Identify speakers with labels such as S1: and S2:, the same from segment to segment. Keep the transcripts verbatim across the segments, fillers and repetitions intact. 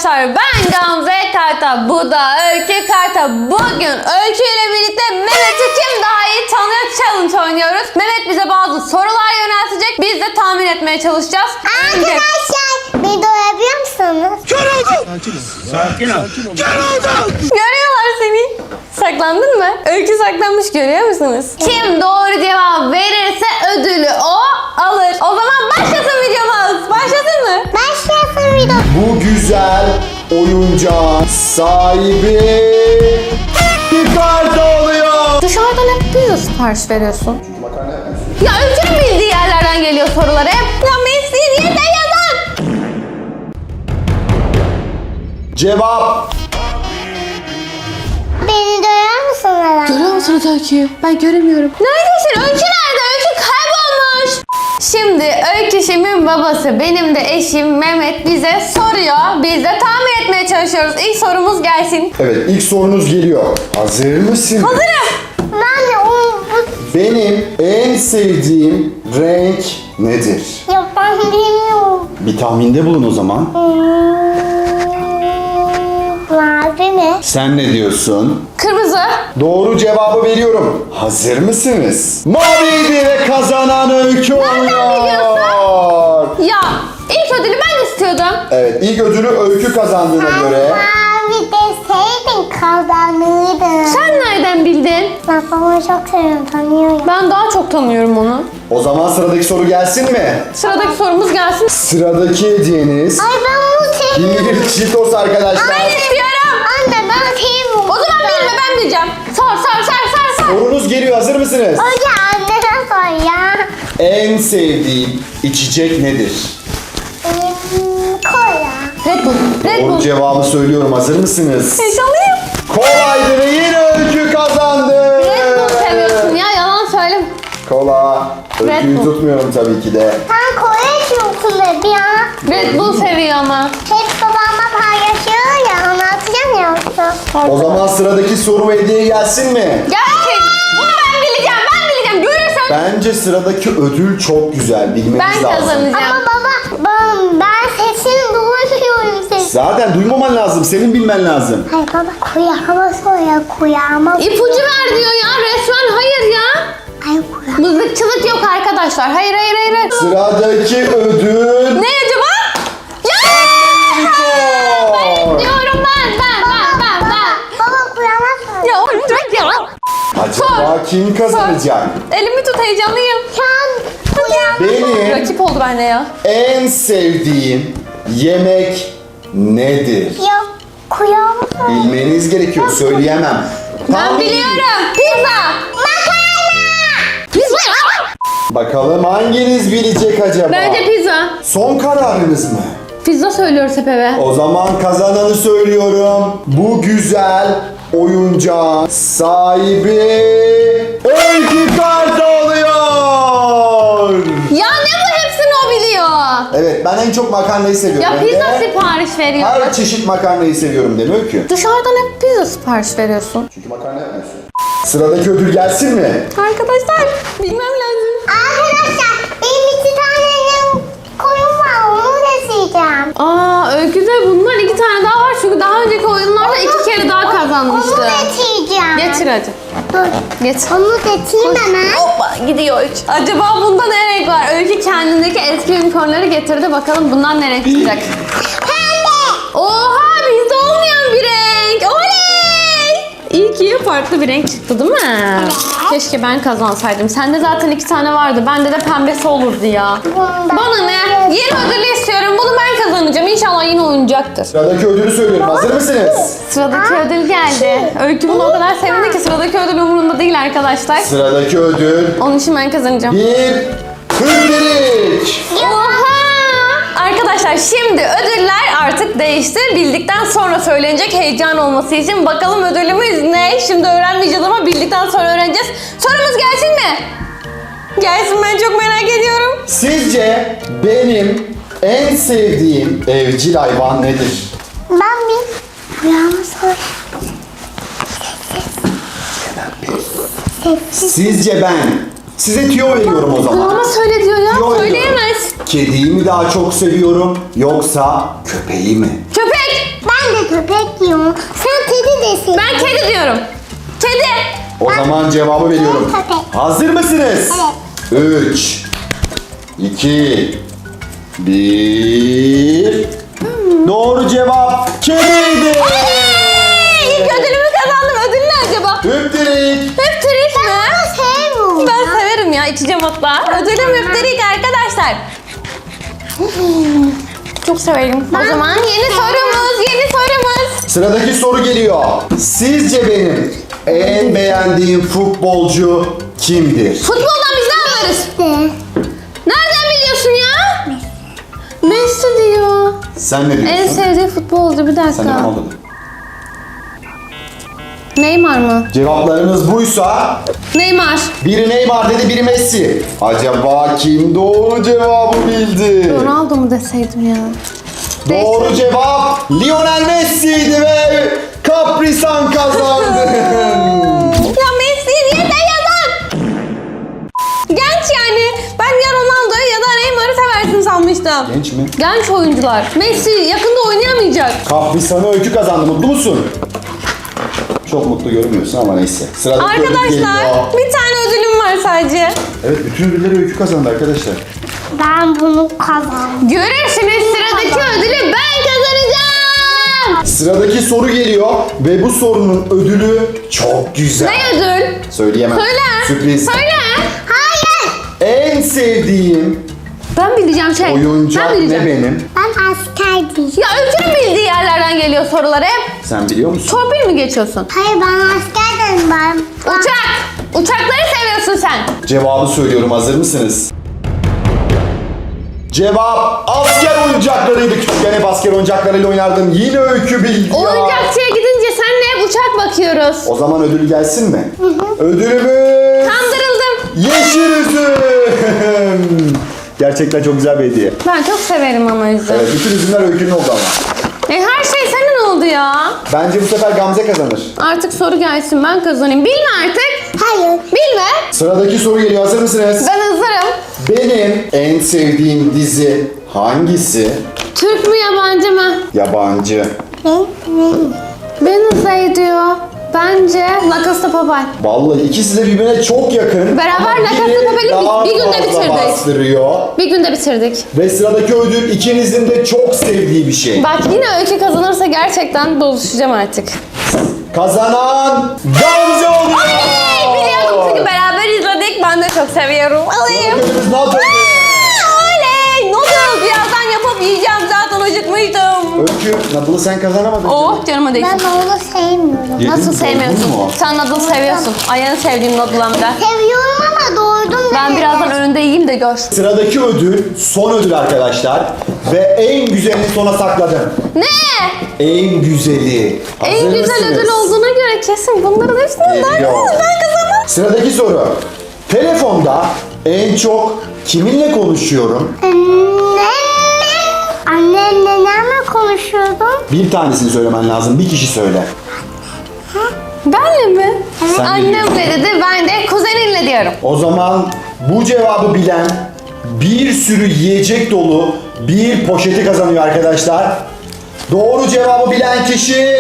S1: arkadaşlar, ben Gamze Kartal, bu da Öykü Kartal. Bugün Öykü ile birlikte Mehmet'i kim daha iyi tanıyor challenge oynuyoruz. Mehmet bize bazı sorular yöneltecek, biz de tahmin etmeye çalışacağız.
S2: Arkadaşlar beni doyabiliyor musunuz?
S3: Kör oldum! Sakin ol. Kör oldum!
S1: Görüyorlar seni. Saklandın mı? Öykü saklanmış, görüyor musunuz? Kim doğru cevap verirse ödülü o alır. O zaman başlasın videomuz. Başlasın mı?
S2: Başlasın video.
S4: Bu güzel oyuncağın sahibi bir karta oluyor.
S1: Dışarıdan hep pizza sipariş veriyorsun.
S4: Makarna yapmıyorsun.
S1: Ya Öykü'nün bildiği yerlerden geliyor sorular hep. Ya Messi diye de yazan.
S4: Cevap.
S2: Beni doyar musunuz?
S1: Görüyor musunuz Öykü'yü? Ben göremiyorum. Neredesin? Öykü nerede? Öykü kaybolmuş. Şimdi Öyküşümün babası, benim de eşim Mehmet bize soruyor. Biz de tahmin etmeye çalışıyoruz. İlk sorumuz gelsin.
S4: Evet, ilk sorunuz geliyor. Hazır mısın?
S1: Hazırım.
S2: Ben de onu
S4: Benim en sevdiğim renk nedir?
S2: ya ben bilmiyorum.
S4: Bir tahminde bulun o zaman.
S2: Hmm, mavi mi?
S4: Sen ne diyorsun?
S1: Kırmızı.
S4: Doğru cevabı veriyorum. Hazır mısınız? Maviydi ve kazanan Öykü oluyor.
S1: Ya ilk ödülü ben istiyordum.
S4: Evet, ilk ödülü Öykü kazandığına
S2: Sen
S4: göre.
S2: mavi deseydin kazanırdın.
S1: Sen nereden bildin?
S2: Ben babamı çok seviyorum, tanıyorum.
S1: Ben daha çok tanıyorum onu.
S4: O zaman sıradaki soru gelsin mi?
S1: Sıradaki sorumuz gelsin.
S4: Sıradaki hediyeniz
S2: Ay ben bunu seviyorum.
S4: bir Cheetos arkadaşlar.
S1: Ben istiyorum.
S2: Anne ben seviyorum.
S1: O zaman bilme, ben bileceğim. Sor sor sor sor sor.
S4: Sorunuz geliyor, hazır mısınız?
S2: Önce annene sor ya.
S4: En sevdiğim içecek nedir?
S2: Hmm, kola.
S1: Red Bull. Red
S4: Doğru
S1: Bull.
S4: cevabı söylüyorum, hazır mısınız?
S1: Heyecanlıyım.
S4: Kolaydı ve yine Öykü kazandı.
S1: Red Bull seviyorsun ya, yalan söyleme.
S4: Kola.
S1: Red
S4: Öyküyü
S1: Bull.
S4: tutmuyorum tabii ki de.
S2: Sen kola içiyorsun dedi ya.
S1: Red Bull seviyor ama.
S2: Hep babamla paylaşıyor ya, anlatacağım ya yoksa.
S4: O zaman sıradaki soru ve hediye gelsin mi?
S1: Gelsin. Bunu ben bileceğim, ben bileceğim. Görürsen
S4: Bence sıradaki ödül çok güzel, bilmeniz
S1: ben
S4: lazım.
S1: kazanacağım.
S2: Ama baba ben, ben sesini duyuyorum sesi.
S4: Zaten duymaman lazım, senin bilmen lazım.
S2: Hayır baba kuyağıma soruyor kuyağıma.
S1: İpucu ver diyor ya, resmen hayır ya.
S2: Ay kuyağıma.
S1: Mızıkçılık yok arkadaşlar. Hayır hayır hayır. hayır.
S4: Sıradaki ödül...
S1: Ne acaba? Ya!
S4: Cheetos.
S1: Diyorum ben ben ben ben ben.
S2: Baba kuyağıma soruyor.
S1: Ya oğlum bırak ya.
S4: Acaba kim kazanacak?
S1: Elimi tut, heyecanlıyım.
S2: Şu an kuyağıma.
S4: Benim
S1: Rakip oldu bende ya.
S4: en sevdiğim yemek nedir?
S2: Yok kuyağıma soruyor.
S4: Bilmeniz gerekiyor, söyleyemem.
S1: Ben
S4: Tahmin-
S1: biliyorum. Pizza. Pizza.
S4: Bakalım hanginiz bilecek acaba?
S1: Bence pizza.
S4: Son kararınız mı?
S1: Pizza söylüyoruz hep eve.
S4: O zaman kazananı söylüyorum. Bu güzel oyuncağın sahibi Öykü Karta oluyor.
S1: Ya ne bu, hepsini o biliyor.
S4: Evet, ben en çok makarnayı seviyorum.
S1: Ya
S4: Hem
S1: pizza
S4: de
S1: sipariş veriyor.
S4: her çeşit makarnayı seviyorum değil mi Öykü?
S1: Dışarıdan hep pizza sipariş veriyorsun.
S4: Çünkü makarna yapmıyorsun. Sıradaki ödül gelsin mi?
S1: Arkadaşlar bilmem lazım.
S2: Arkadaşlar benim iki tane koyun var, onu da sileceğim.
S1: Aa Öykü'de bunlar iki tane daha var çünkü daha önceki oyunlarda iki kere daha kazanmıştı.
S2: Onu da sileceğim.
S1: Getir hadi.
S2: Dur.
S1: Getir.
S2: Onu da sileyim hemen.
S1: Hoppa gidiyor üç. Acaba bunda ne renk var? Öykü kendindeki eski unicornları getirdi. Bakalım bundan ne renk çıkacak?
S2: Pembe.
S1: Oha, bizde olmayan bir renk. Oley! İyi ki farklı bir renk çıktı değil mi? Keşke ben kazansaydım. Sende zaten iki tane vardı. Bende de pembesi olurdu ya.
S2: Bundan
S1: Bana ne? Yeni ödülü istiyorum. Bunu ben kazanacağım. İnşallah yine oyuncaktır.
S4: Sıradaki ödülü söylüyorum. Hazır mısınız?
S1: Sıradaki ödül geldi. Öykü bunu o kadar sevindi ki sıradaki ödül umurunda değil arkadaşlar.
S4: Sıradaki ödül
S1: Onun için ben kazanacağım.
S4: bir hüptelik.
S1: Oha! Arkadaşlar şimdi ödüller artık değişti. Bildikten sonra söylenecek, heyecan olması için. Bakalım ödülümüz ne? Şimdi öğrenmeyeceğiz ama bildikten sonra öğreneceğiz. Sorumuz gelsin mi? Gelsin, ben çok merak ediyorum.
S4: Sizce benim en sevdiğim evcil hayvan nedir?
S2: Ben bir kuyağıma soruyor. Sessiz.
S4: Sizce ben size tüyo veriyorum o zaman.
S1: Ama söyle diyor ya.
S4: Tüyo
S1: Söyleyemez.
S4: veriyorum. Kediyi mi daha çok seviyorum yoksa köpeği mi?
S1: Köpek!
S2: köpek diyorum. Sen kedi desin.
S1: Ben kedi diyorum. Kedi.
S4: O zaman cevabı veriyorum.
S2: Köpek.
S4: Hazır mısınız? üç, iki, bir. Doğru cevap kediydi.
S1: Hey, ilk ödülümü kazandım. Ödül ne acaba?
S4: Hüptirik.
S1: Hüptirik mi?
S2: Sevmiyorum.
S1: Ben severim ya, içeceğim hatta. Ödülüm hüptirik arkadaşlar. Çok severim. O zaman yeni sorumuz, yeni sorumuz.
S4: Sıradaki soru geliyor. Sizce benim en beğendiğim futbolcu kimdir?
S1: Futboldan biz ne anlarız?
S2: İşte.
S1: Nereden biliyorsun ya? Messi diyor.
S4: Sen ne
S1: En
S4: diyorsun?
S1: sevdiği futbolcu, bir
S4: Sen ne
S1: dakika.
S4: anladın?
S1: Neymar mı?
S4: Cevaplarınız buysa
S1: Neymar.
S4: biri Neymar dedi, biri Messi. Acaba kim doğru cevabı bildi?
S1: Ronaldo mu deseydim ya?
S4: Doğru cevap Lionel Messi'ydi ve Kaprisan kazandı.
S1: Ya Messi niye de yazan? Genç yani. Ben ya Ronaldo'yu ya da Neymar'ı seversin sanmıştım.
S4: Genç mi?
S1: Genç oyuncular. Messi yakında oynayamayacak.
S4: Kaprisan'ı öykü kazandı. Mutlu musun? Çok mutlu görünmüyorsun ama neyse. Sıradaki ödül
S1: Arkadaşlar
S4: geliyor.
S1: bir tane ödülüm var sadece.
S4: Evet, bütün ödülleri öykü kazandı arkadaşlar.
S2: Ben bunu kazandım.
S1: Görürsünüz, sıradaki ödülü ben kazanacağım.
S4: Sıradaki soru geliyor ve bu sorunun ödülü çok güzel.
S1: Ne ödül?
S4: Söyleyemem.
S1: Söyle.
S4: Sürpriz.
S1: Söyle.
S2: Hayır.
S4: En sevdiğim
S1: Ben bileceğim şey.
S4: oyuncak
S1: ben
S4: ne
S1: bileceğim.
S4: benim?
S2: Ben askerdim.
S1: Ya Öykü'nün bildiği yerlerden geliyor sorular hep.
S4: Sen biliyor musun?
S1: Torpil mi geçiyorsun?
S2: Hayır ben askerdim ben.
S1: Uçak. Uçakları seviyorsun sen.
S4: Cevabı söylüyorum. Hazır mısınız? Cevap asker oyuncaklarıydı. Küçükken hep asker oyuncaklarıyla oynardım. Yine öykü bildi ya.
S1: Oyuncakçıya gidince senle hep uçak bakıyoruz.
S4: O zaman ödül gelsin mi? Ödülümüz
S1: Kandırıldım.
S4: yeşil üzüm. Gerçekten çok güzel bir hediye.
S1: Ben çok severim ama üzüm.
S4: Evet, bütün üzümler öykünün oldu ama.
S1: E her şey senin oldu ya.
S4: Bence bu sefer Gamze kazanır.
S1: Artık soru gelsin, ben kazanayım. Bilme artık.
S2: Hayır.
S1: Bilme.
S4: Sıradaki soru geliyor. Hazır mısınız?
S1: Ben hazırım.
S4: Benim en sevdiğim dizi hangisi?
S1: Türk mü yabancı mı?
S4: Yabancı.
S2: Ben, ben.
S1: Wednesday diyor. Bence La Casa de Papel.
S4: Vallahi ikisi de birbirine çok yakın.
S1: Beraber
S4: Ama
S1: La Casa de
S4: biri
S1: Papel'i bir-
S4: daha
S1: bir günde
S4: fazla
S1: bitirdik.
S4: bastırıyor.
S1: Bir günde bitirdik.
S4: Ve sıradaki ödül ikinizin de çok sevdiği bir şey.
S1: Bak yine Öykü kazanırsa gerçekten buluşacağım artık.
S4: Kazanan Gamze oluyor.
S1: Hey, biliyordum çünkü beraber izledik. Ben de çok seviyorum. Alayım.
S4: Ödülümüz ne yapıyor?
S1: Oley! Noodles birazdan yapıp yiyeceğim. Zaten acıkmıştım.
S4: Öykü, Nadal'ı sen kazanamadın.
S1: Oh canıma değsin.
S2: Ben onu sevmiyorum.
S4: Yedin
S1: Nasıl
S4: mi,
S1: sevmiyorsun?
S4: doydun mu?
S1: Sen noodle seviyorsun. Ay en sevdiğim noodle hem de.
S2: Seviyorum ama doğurdum.
S1: Ben birazdan önünde yiyeyim de gör.
S4: Sıradaki ödül son ödül arkadaşlar. Ve en güzelini sona sakladım.
S1: Ne?
S4: En güzeli. Hazır
S1: En güzel
S4: mısınız?
S1: ödül olduğuna göre kesin bunların hepsinden daha
S4: Geliyor.
S1: güzel. Ben kazanırım.
S4: Sıradaki soru. Telefonda en çok kiminle konuşuyorum?
S2: Annemle. Annemle nenemle konuşuyordum.
S4: Bir tanesini söylemen lazım. Bir kişi söyle.
S1: Benle mi?
S4: Sen
S1: Annemle dedi, ben de kuzeninle diyorum.
S4: O zaman bu cevabı bilen bir sürü yiyecek dolu bir poşeti kazanıyor arkadaşlar. Doğru cevabı bilen kişi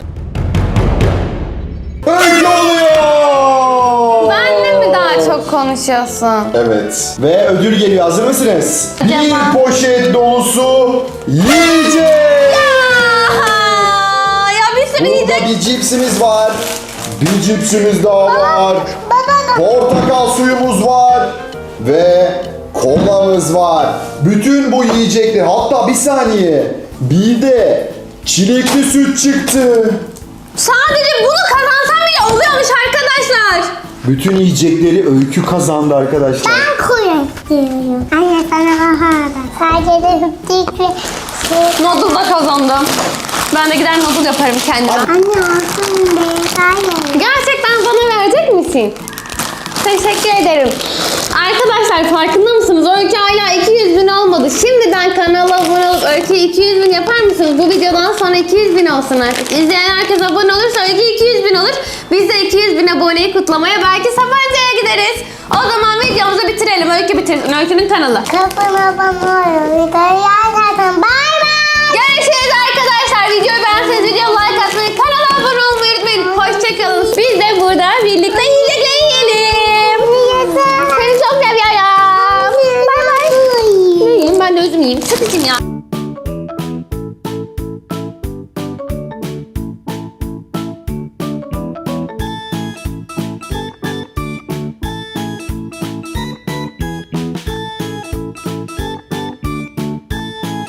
S4: Öykü oluyor.
S1: Benle mi daha çok konuşuyorsun?
S4: Evet. Ve ödül geliyor. Hazır mısınız?
S1: Acaba?
S4: Bir poşet dolusu yiyecek.
S1: Aa, ya bir sürü
S4: Burada
S1: yiyecek.
S4: bir cipsimiz var. Bir cipsimiz daha var. Portakal suyumuz var. Ve kolamız var. Bütün bu yiyecekler. Hatta bir saniye. Bir de çilekli süt çıktı.
S1: Sadece bunu kazansam bile oluyormuş arkadaşlar.
S4: Bütün yiyecekleri Öykü kazandı arkadaşlar.
S2: Ben kuyruk diyorum. Anne sana aha da. Sadece de hüptik ve şey.
S1: Noodle'da kazandım. Ben de gider noodle yaparım kendime.
S2: Anne olsun be. Hayır.
S1: Gerçekten bana verecek misin? Teşekkür ederim. Arkadaşlar farkında mısınız? Öykü hala iki yüz bin olmadı. Şimdiden kanala abone olup Öykü iki yüz bin yapar mısınız? Bu videodan sonra iki yüz bin olsun artık. İzleyen herkes abone olursa Öykü iki yüz bin olur. Biz de iki yüz bin aboneyi kutlamaya belki Sapanca'ya gideriz. O zaman videomuzu bitirelim. Öykü bitirsin. Öykü'nün kanalı.
S2: Kafana bana oluyor. Videoyu zaten. Bay bay.
S1: Görüşürüz arkadaşlar. Videoyu beğenseniz video like Çok üzgünüm ya.